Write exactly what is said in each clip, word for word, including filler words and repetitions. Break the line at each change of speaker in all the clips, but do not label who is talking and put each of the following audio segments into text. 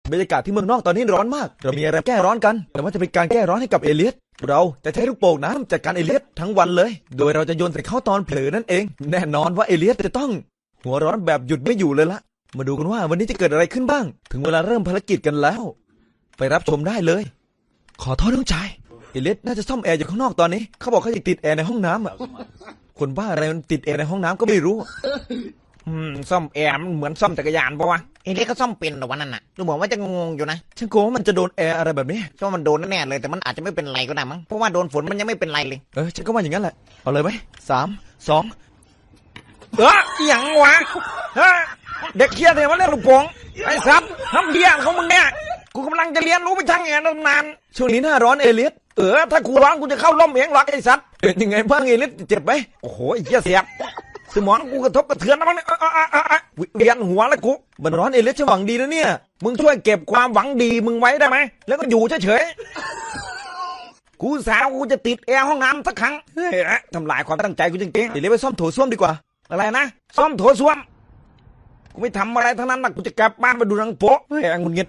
บรรยากาศที่เมืองนอกตอนนี้ร้อนมากเรามีอะไรแก้ร้อนกันแต่ว่าจะเป็นการแก้ร้อนให้กับเอเลียสเราจะใช้ลูกโป่งน้ำจัดการเอเลียสทั้งวันเลยโดยเราจะโยนใส่เขาตอนเผลอนั่นเองแน่นอนว่าเอเลียสจะต้องหัวร้อนแบบหยุดไม่อยู่เลยละมาดูกันว่าวันนี้จะเกิดอะไรขึ้นบ้างถึงเวลาเริ่มภารกิจกันแล้วไปรับชมได้เลยขอโทษน้องชายเอเลียสน่าจะซ่อมแอร์อยู่ข้างนอกตอนนี้เขาบอกเขาจะติดแอร์ในห้องน้ำอ่ะคนบ้าอะไรมันติดแอร์ในห้องน้ำก็ไม่รู้
อืมซ่อมแอร์มันเหมือนซ่อมจักรยานปะวะเอเล็กก็ซ่อมเป็นหรอวะนั่นน่ะดูเหมือนว่าจะงงอยู่นะ
ฉันกลัวว่ามันจะโดนแอร์อะไรแบบนี้
ช่วมันโดนแน่เลยแต่มันอาจจะไม่เป็นไรก็ได้มั้งเพราะว่าโดนฝนมันยังไม่เป็นไรเลย
เออฉันก็ว่าอย่างนั้นแหละเอาเลยไหมสามสอง
เอออย่างวะฮะเด็กเคียร์เนี่ยมันเล่นลูกโป่งไอ้ซับทำเดียของมึงเนี่ยกูกำลังจะเรียนรู้ไปทางแอร์นาน
ช่วงนี้หน้าร้อนเอเลียส
เออถ้ากูร้อนกูจะเข้าร่มเองหรอกไอ้ซับ
เป็นยังไงบ้างเอเลียสเจ็บไหม
โอ้โหไอ้เหี้ยเสียบสมองกูกระทบกระเทือนนะมั้งเนี่ยเวียนหัวแล้วกู
มันร้อนเอเลียสจะหวังดีนะเนี่ย
มึงช่วยเก็บความหวังดีมึงไว้ได้ไหมแล้วก็อยู่เฉยๆกูสาวกูจะติดแอร์ห้องน้ำสักครั้งเฮ้ยทำลายความตั้งใจกูจริงๆ
เอเลียสไปซ่อมโถส้วมดีกว่า
อะไรนะซ่อมโถส้วมกูไม่ทำอะไรทั้งนั้นนะกูจะกลับบ้านไปดูหนังโป๊เฮ้ยงุนเงียบ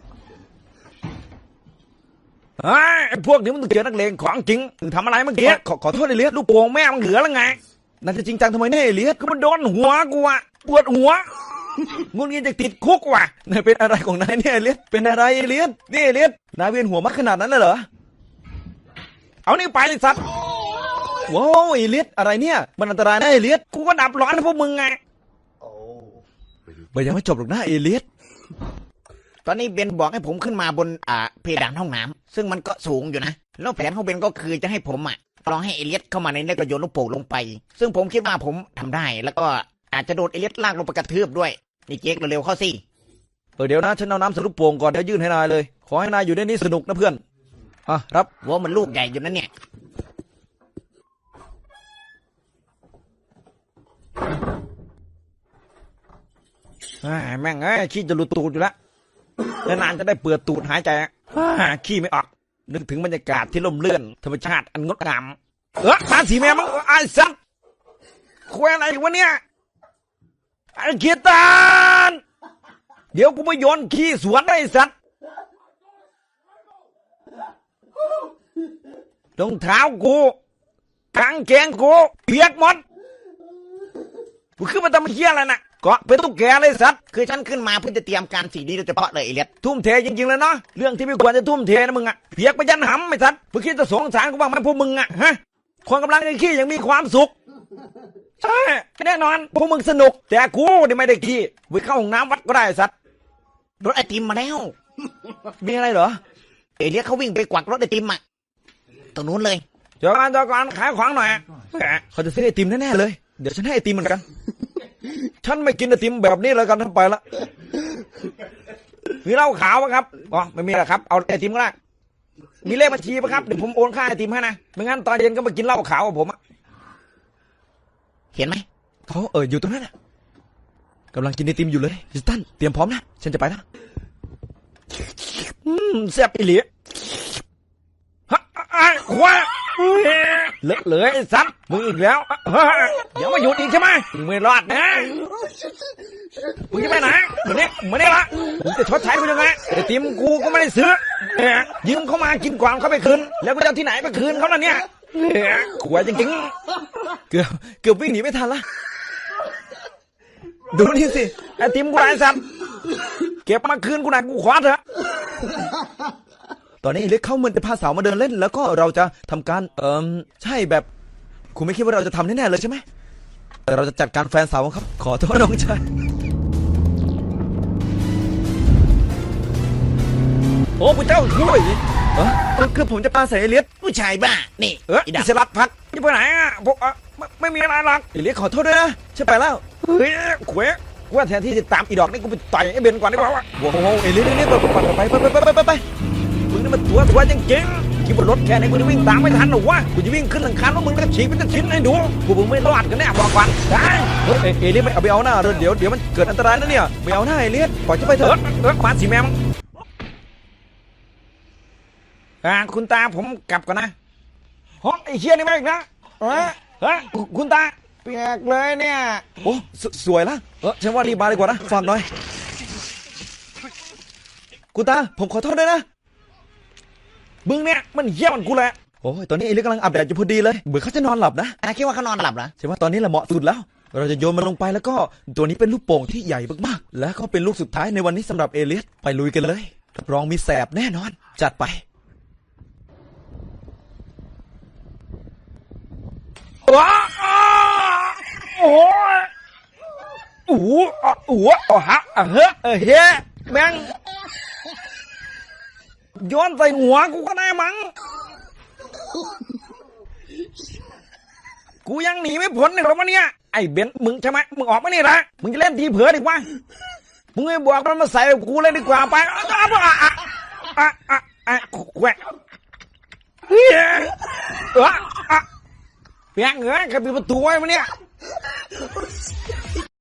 ไอ้พวกนี้มันต้องเจอนักเลงของจริงมึงทำอะไรเมื่อกี้
ขอขอโทษเอเลียส
ลูกโป่งแม่มันเหลือแล้วไง
น่าจะจริงจังทำไมเนี่ยเอเลียส
ก็มันโดนหัวกูอะปวดหัวงุนเงียบจะติดคุกว่ะ
นายเป็นอะไรของนายเนี่ยเอเลียสเป็นอะไรเอเลียสนี่เอเลียสนายเวียนหัวมากขนาดนั้นเลยเหรอ
เอานี่ไปสัตว์
ว้าวเอเลียสอะไรเนี่ยมันอันตรายนะเอเลียส
กูก็ดับร้อนให้พวกมึงไง
มันยังไม่จบหรอกนะเอเลียส
ตอนนี้เบนบอกให้ผมขึ้นมาบนอ่าเพดานห้องน้ำซึ่งมันก็สูงอยู่นะแล้วแผนของเบนก็คือจะให้ผมอ่ะลองให้เอเลียสเข้ามาในนี้ก็โยนลูกโป่งลงไปซึ่งผมคิดว่าผมทำได้แล้วก็อาจจะโดนเอเลียสลากลงไปกระทืบด้วยนี่เจ๊กเร็วๆเข้าสิ
เออเดี๋ยวนะฉันเอาน้ำใส่ลูกโป่งก่อนเดี๋ยวยื่นให้นายเลยขอให้นายอยู่ในนี้สนุกนะเพื่อนอ่ะรับ
ว่ามันลูกใหญ่อยู่นั่นเนี่ยแม่งเอ้ยขี้จะหลุดตูดอยู่แล้วนานจะได้เปิดตูดหายใจขี้ไม่ออกนึกถึงบรรยากาศที่ล่มเลื่อนธรรมชาติอันงดงามเออมาสีแม่มึงไอ้สัตว์คุยอะไรวะเนี่ยไอ้เกียรตานเดี๋ยวกูไปโยนขี้สวนไอ้สัตว์รองเท้ากูกางเกงกูเปียกหมดกูขึ้นมาทำเหี้ยอะไรน่ะก็เป็นตุ๊กแกเลยสัตว์คือฉันขึ้นมาเพื่อจะเตรียมการสิ่งนี้โดยเฉพาะเลยไอ้เล็ดทุ่มเทจริงๆเลยเนาะเรื่องที่ไม่ควรจะทุ่มเทนะมึงอะเพียกไปยันหำไม่สัตว์เพื่อคิดจะสงสารกูบ้างไหมพวกมึงอะฮะคนกำลังจะขี้ยังมีความสุขใช่แน่นอนพวกมึงสนุกแต่กูเนี่ยไม่ได้ขี้ไปเข้าห้องน้ำวัดก็ได้สัตว์รถไอติมมาแล้ว
มีอะไรเหรอ
ไอเล็ดเขาวิ่งไปกวักรถไอติมอะตรงนู้นเลย
จอกันจอกันขายขวางหน่อยเขาจะซื้อไอติมแน่ๆเลยเดี๋ยวฉันให้ไอติมเหมือนกันฉันไม่กินไอติมแบบนี้เลยกันทั้งไปละมีเหล้าขาวไหมครับอ๋อไม่มีหรอกครับเอาไอติมก็ได้มีเลขบัญชีไหมครับเดี๋ยวผมโอนค่าไอติมให้นะไม่งั้นตอนเย็นก็มากินเหล้าขาวกับผมอะ
เห็นไหม
เขาเอออยู่ตรงนั้นน่ะกำลังกินไอติมอยู่เลยจิสตันเตรียมพร้อมนะฉันจะไปแล้ว
อืมแซ่บอีหลีฮะไอ้ขวาเลอะเลยไอ้สัตว์มึงอีกแล้วอย่ามาหยุดอีกใช่ไหมมึงไม่รอดนะมึงจะไปไหนมึงเนี่ยมึงเนี่ยละมึงจะชดใช้กูยังไงไอติมกูก็ไม่ได้ซื้อยืมเขามากินก่อนเขาไปคืนแล้วกูจะที่ไหนไปคืนเขาล่ะเนี่ยขวายจริง
ๆเกือบเกือบวิ่งหนีไม่ทันละดูนี่สิ
ไอติมกูไอ้สัตว์เก็บมาคืนกูหน่อยกูขอเถอะ
ตอนนี้เล็กเข้ามันจะพาสาวมาเดินเล่นแล้วก็เราจะทำการเอ่อใช่แบบคุณไม่คิดว่าเราจะทำแน่ๆเลยใช่ไหมแต่เราจะจัดการแฟนสาวครับขอโทษน้องชาย
โอ้พระเจ้าช่วย
เออคือผมจะปาใส่เอเลียส
ผู้ชายบ้านี่
เอออิสระพัก
จะไปไหนอ่ะพวกไม่มีอะไรหรอก
เอเลียสขอโทษด้วยนะฉันไปแล้ว
เฮ้ยขวยกูว่าแทนที่จะตามอีดอกนี่กูไปต่อยไอ้เบนก่อนดีกว่า
โอ้โหเอเลียสเอเลียสไปไปไปไปไปไปไป
มึงนี่มันตัวตัวจริงๆขี่บนรถแค่ไหนกูจะวิ่งตามไม่ทันหรอวะกูจะวิ่งขึ้นหลังคาแล้วมึงก็ฉีกเป็นชิ้นให้ดูกูมึงไม่รอดกันแน่บอกก่อนได้
เฮ้ยเอเลียสไม่เอาไปเอาหน้าเดี๋ยวเดี๋ยวมันเกิดอันตรายนะเนี่ยไม่เอาหน้าเอเลียสปล่อยจะไปเถอะ
เออมาสิแม่มอ่าคุณตาผมกลับก่อนนะฮะไอ้เชี่ยนี่ไม่อีกนะเฮ้ยเฮ้ยคุณตาเปียกเลยเนี่ย
โอ้สวยละเออฉันว่ารีบมาดีกว่านะฟังหน่อยคุณตาผมขอโทษด้วยนะ
มึงเนี่ยมันเหี้ยมันกูแหละ
โอ้ยตอนนี้เอเลียสกำลังอาบแดดอยู่พอดีเลยเบื่อเขาจะนอนหลับนะ
อ่ะคิดว่าเขานอนหลับเหรอ
ใช่ว่าตอนนี้แหละเหมาะสุดแล้ว เราจะโยนมันลงไปแล้วก็ตัวนี้เป็นลูกโป่งที่ใหญ่มากๆและก็เป็นลูกสุดท้ายในวันนี้สำหรับเอเลียสไปลุยกันเลยรับรองมีแสบแน่นอน จัดไป
ว้าโอ้ยโอ้โหโอ้โหโอ้ฮะเฮ้เออเฮ้แม่งย้อนใส่หัวกูก็ได้มั้งกูยังหนีไม่พ้นเลยหรอวะเนี่ยไอ้เบนมึงใช่ไหมมึงออกมานี่ละมึงจะเล่นทีเผือดีกว่ามึงไม่บอกมันมาใส่กับกูเลยดีกว่าไปอ่ะอ่ะอ่ะอ่ะอ่ะอ่ะแหวะเฮ้ยอ่ะอ่ะเปียกเหงื่อขับปิดประตูไว้มาเนี่ย